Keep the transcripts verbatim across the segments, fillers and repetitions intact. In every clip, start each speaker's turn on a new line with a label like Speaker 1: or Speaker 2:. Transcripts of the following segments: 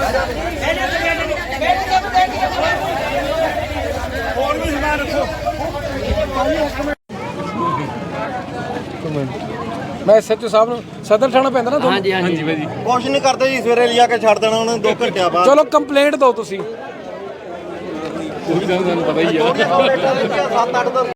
Speaker 1: मैं S H O साहब सदर थाना पैंदा ना।
Speaker 2: हाँ जी हाँ जी भाई
Speaker 3: कुछ नहीं करते जी, सवेरे लिया के छड़ देना उन्हें दो घंटे बाद।
Speaker 1: चलो कंप्लेंट दो तुसी।
Speaker 2: पता ही है।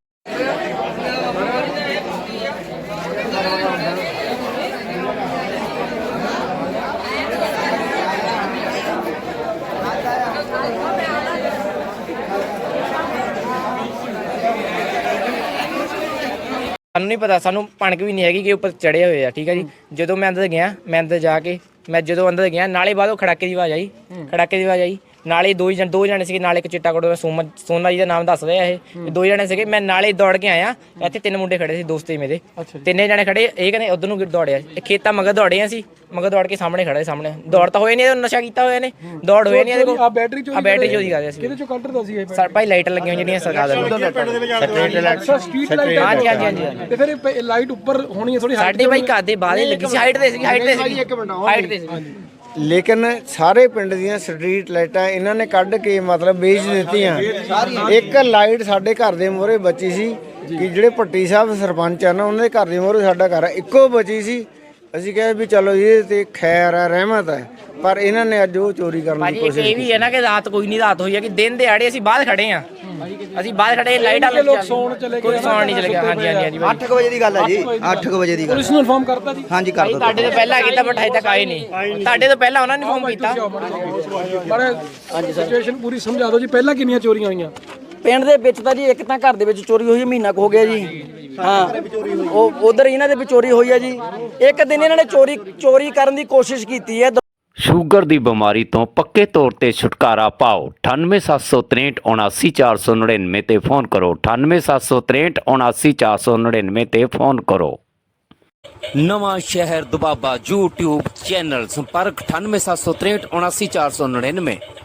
Speaker 4: ਸਾਨੂੰ ਨਹੀਂ ਪਤਾ, ਸਾਨੂੰ ਭਣਕ ਵੀ ਨਹੀਂ ਹੈਗੀ ਕਿ ਉੱਪਰ ਚੜੇ ਹੋਏ ਆ। ਠੀਕ ਹੈ ਜੀ, ਜਦੋਂ ਮੈਂ ਅੰਦਰ ਗਿਆ, ਮੈਂ ਅੰਦਰ ਜਾ ਕੇ ਮੈਂ ਜਦੋਂ ਅੰਦਰ ਗਿਆ ਨਾਲੇ ਬਾਅਦ ਉਹ ਖੜਾਕੇ ਦੀ ਆਵਾਜ਼ ਆਈ, ਖੜਾਕੇ ਦੀ ਆਵਾਜ਼ ਆਈ ਨਾਲੇ ਦੋ ਜਣ ਦੋ ਜਣੇ ਸੀਗੇ, ਨਾਲੇ ਇੱਕ ਚਿੱਟਾ ਕੋਟ ਸੋਮਾ ਸੋਨਾ ਜੀ ਦਾ ਨਾਮ ਦੱਸ ਰਿਹਾ ਇਹ, ਦੋ ਜਣੇ ਸੀਗੇ। ਮੈਂ ਨਾਲੇ ਦੌੜ ਕੇ ਆਇਆ, ਇੱਥੇ ਤਿੰਨ ਮੁੰਡੇ ਖੜੇ ਸੀ ਦੋਸਤ ਮੇਰੇ, ਤਿੰਨੇ ਜਣੇ ਖੜੇ। ਇਹ ਕਹਿੰਦੇ ਉਧਰ ਨੂੰ ਦੌੜਿਆ, ਇਹ ਖੇਤਾਂ ਮਗਰ ਦੌੜੇ ਅਸੀਂ, ਮਗਰ ਦੌੜ ਕੇ ਸਾਹਮਣੇ ਖੜੇ, ਸਾਹਮਣੇ ਦੌੜ ਤਾਂ ਹੋਏ ਨਹੀਂ, ਨਸ਼ਾ ਕੀਤਾ ਹੋਇਆ ਨੇ, ਦੌੜ ਹੋਏ ਨਹੀਂ ਇਹਦੇ ਕੋਲ।
Speaker 1: ਆ ਬੈਟਰੀ ਚੋਰੀ
Speaker 4: ਆ ਬੈਟਰੀ ਚੋਰੀ ਕਰਦੇ ਸੀ।
Speaker 1: ਕਿਹਦੇ ਚੋਂ ਕੱਢ ਦਾ ਸੀ ਇਹ?
Speaker 4: ਸਰ ਭਾਈ ਲਾਈਟਾਂ ਲੱਗੀਆਂ ਹੋਈਆਂ ਜਿਹੜੀਆਂ ਸਰਕਾਰ ਦੇ
Speaker 1: ਸਟਰੀਟ ਲਾਈਟ।
Speaker 4: ਹਾਂਜੀ ਹਾਂਜੀ ਹਾਂਜੀ।
Speaker 1: ਤੇ ਫਿਰ ਇਹ ਲਾਈਟ ਉੱਪਰ ਹੋਣੀ ਹੈ ਥੋੜੀ
Speaker 4: ਸਾਡੇ ਭਾਈ ਘਰ ਦੇ ਬਾਹਰ ਹੀ ਲੱਗੀ ਸੀ, ਹਾਈਟ ਤੇ ਸੀ, ਹਾਈਟ ਤੇ ਸੀ, ਹਾਈਟ ਤੇ ਸੀ।
Speaker 5: ਲੇਕਿਨ ਸਾਰੇ ਪਿੰਡ ਦੀਆਂ ਸਟਰੀਟ ਲਾਈਟਾਂ ਇਹਨਾਂ ਨੇ ਕੱਢ ਕੇ ਮਤਲਬ ਵੇਚ ਦਿੱਤੀਆਂ। ਇੱਕ ਲਾਈਟ ਸਾਡੇ ਘਰ ਦੇ ਮੂਹਰੇ ਬਚੀ ਸੀ ਕਿ ਜਿਹੜੇ ਭੱਟੀ ਸਾਹਿਬ ਸਰਪੰਚ ਆ ਨਾ, ਉਹਨਾਂ ਦੇ ਘਰ ਦੇ ਮੂਹਰੇ ਸਾਡਾ ਘਰ ਇੱਕੋ ਬਚੀ ਸੀ। ਅਸੀਂ ਕਿਹਾ ਵੀ ਚਲੋ ਇਹ ਤੇ ਖੈਰ ਹੈ, ਰਹਿਮਤ ਹੈ, ਪਰ ਇਹਨਾਂ ਨੇ ਅੱਜ ਉਹ ਚੋਰੀ ਕਰਨ ਦੀ ਕੋਸ਼ਿਸ਼
Speaker 4: ਇਹ ਵੀ ਹੈ ਨਾ ਕਿ ਰਾਤ ਕੋਈ ਨਹੀਂ, ਰਾਤ ਹੋਈ ਹੈ ਕਿ ਦਿਨ ਦਿਹਾੜੇ ਅਸੀਂ ਬਾਹਰ ਖੜੇ ਆ, ਅਸੀਂ ਬਾਹਰ ਖੜੇ, ਲਾਈਟਾਂ
Speaker 1: ਲੋਕ ਸੌਣ ਚਲੇ ਗਏ,
Speaker 4: ਕੋਈ ਸੌਣ ਨਹੀਂ ਚਲੇ ਗਿਆ। ਹਾਂਜੀ ਹਾਂਜੀ ਹਾਂਜੀ।
Speaker 3: ਅੱਠ ਕੁ ਵਜੇ ਦੀ ਗੱਲ ਹੈ ਜੀ, ਅੱਠ ਕੁ ਵਜੇ ਦੀ ਗੱਲ।
Speaker 1: ਪੁਲਿਸ ਨੂੰ ਇਨਫਾਰਮ ਕਰਤਾ ਜੀ?
Speaker 3: ਹਾਂਜੀ ਕਰ
Speaker 4: ਭਾਈ ਤੁਹਾਡੇ ਤੋਂ ਪਹਿਲਾਂ ਕੀਤਾ ਬਟ ਹਜੇ ਤੱਕ ਆਏ ਨਹੀਂ, ਤੁਹਾਡੇ ਤੋਂ ਪਹਿਲਾਂ ਉਹਨਾਂ ਨੇ ਫੋਨ ਕੀਤਾ।
Speaker 1: ਪਰ ਸਿਚੁਏਸ਼ਨ ਪੂਰੀ ਸਮਝਾ ਦਿਓ ਜੀ, ਪਹਿਲਾਂ ਕਿੰਨੀਆਂ ਚੋਰੀਆਂ ਹੋਈਆਂ
Speaker 2: ਪਿੰਡ ਦੇ ਵਿੱਚ? ਤਾਂ ਜੀ ਇੱਕ ਤਾਂ ਘਰ ਦੇ ਵਿੱਚ ਚੋਰੀ ਹੋਈ, ਮਹੀਨਾ ਕੁ ਹੋ ਗਿਆ ਜੀ। ਹਾਂ, ਉਹ ਉਧਰ ਇਹਨਾਂ ਦੇ ਵੀ ਚੋਰੀ ਹੋਈ ਹੈ ਜੀ। ਇੱਕ ਦਿਨ ਇਹਨਾਂ ਨੇ ਚੋਰੀ ਚੋਰੀ ਕਰਨ ਦੀ ਕੋਸ਼ਿਸ਼ ਕੀਤੀ ਹੈ।
Speaker 6: ਸ਼ੂਗਰ ਦੀ ਬਿਮਾਰੀ ਤੋਂ ਪੱਕੇ ਤੌਰ ਤੇ ਛੁਟਕਾਰਾ ਪਾਓ। ਅਠਾਨਵੇਂ ਸੱਤ ਸੌ ਤਰੇਹਠ ਉਨਾਸੀ ਚਾਰ ਸੌ ਨੜਿਨਵੇਂ ਤੇ ਫੋਨ ਕਰੋ। ਅਠਾਨਵੇਂ ਸੱਤ ਸੌ ਤਰੇਹਠ ਉਨਾਸੀ ਚਾਰ ਸੌ ਨੜਿਨਵੇਂ ਤੇ ਫੋਨ ਕਰੋ। ਨਵਾਂ ਸ਼ਹਿਰ ਦੁਬਾਬਾ YouTube ਚੈਨਲ, ਸੰਪਰਕ ਅਠਾਨਵੇਂ ਸੱਤ ਸੌ ਤਰੇਹਠ ਉਨਾਸੀ ਚਾਰ ਸੌ ਨੜਿਨਵੇਂ।